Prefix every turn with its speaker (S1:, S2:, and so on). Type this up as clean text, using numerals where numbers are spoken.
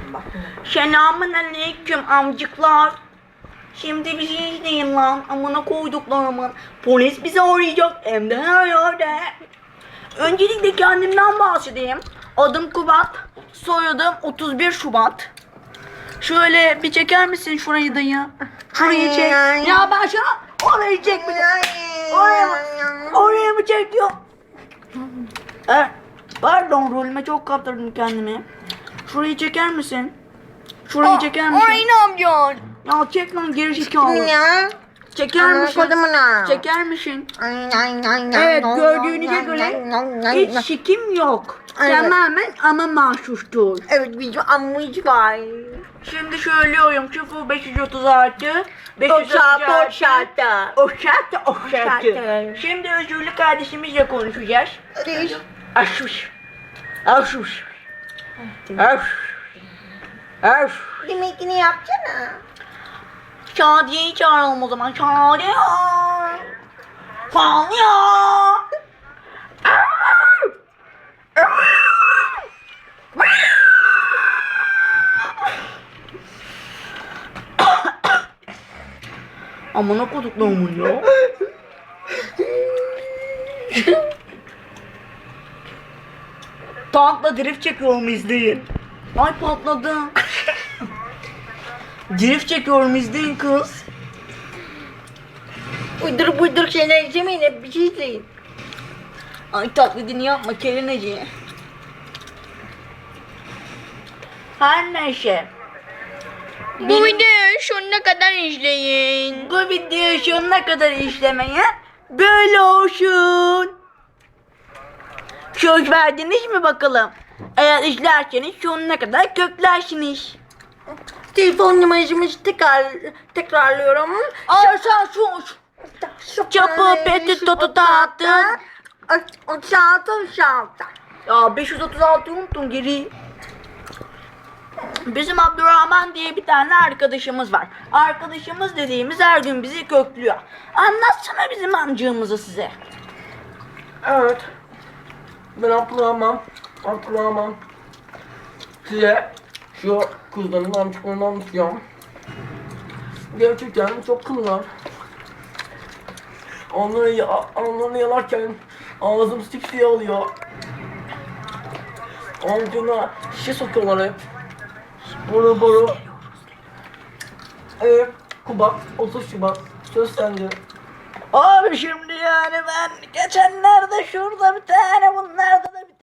S1: Selamun aleyküm amcıklar. Şimdi bizi izleyin lan. Amına koyduklarımın. Polis bizi arayacak. Hem de her yerde. Öncelikle kendimden bahsedeyim. Adım Kubat. Soyadım 31 Şubat. Şöyle bir çeker misin şurayı dayı? Şurayı çek. Ya ben şu an orayı çekmedim. Oraya mı çekiyor? Pardon, rolüme çok kaptırdım kendimi. Şurayı çeker misin? Şurayı çeker misin?
S2: Orayı ne yapacaksın?
S1: Ya çek lan geri zekalı.
S2: Ya.
S1: Çeker misin? Çeker misin? Evet, gördüğünüze göre hiç şikim yok.
S2: Evet.
S1: Tamamen ama mahsustur.
S2: Evet, bizim ammış var.
S1: Şimdi söylüyorum 0536 536 o şartı. Şimdi özürlü kardeşimizle konuşacağız. Aşuş. Aşuş. Aşuş.
S2: Demekini yapsana.
S1: Şadiye'yi çağıralım o zaman. Şadiye. Fanya. Amına koduklarımın ya. Tankla drift çekiyorum, izleyin. Ay patladım. Drift çekiyorum, izleyin kız.
S2: Uydur şeyler izlemeyin, hep bir şey izleyin.
S1: Ay taklidini yapma kelineci. Her neyse.
S2: Bu videoyu sonuna kadar izleyin.
S1: Bu videoyu sonuna kadar izlemeye böyle olsun. Söz verdiniz mi bakalım? Eğer izlerseniz sonuna kadar köklersiniz.
S2: Telefon numarasımızı tekrarlıyorum.
S1: Sen sus. Çapı peti totu tahtı.
S2: 36.
S1: Ya 536 unuttum geri. Bizim Abdurrahman diye bir tane arkadaşımız var. Arkadaşımız dediğimiz her gün bizi köklüyor. Anlatsana bizim amcığımızı size.
S3: Evet. Ben Abdurrahman. Size şu kızların amcıklarını anlatacağım. Gerçekten çok kıllar. Onları yalarken ağzım sipsiye oluyor. Amcına şişe sokuyorlar hep. Boru. Evet. Kubat, 30 Şubat. Söz sende.
S1: Abi şimdi yani ben geçenlerde şurada bir tane bunlarda da bir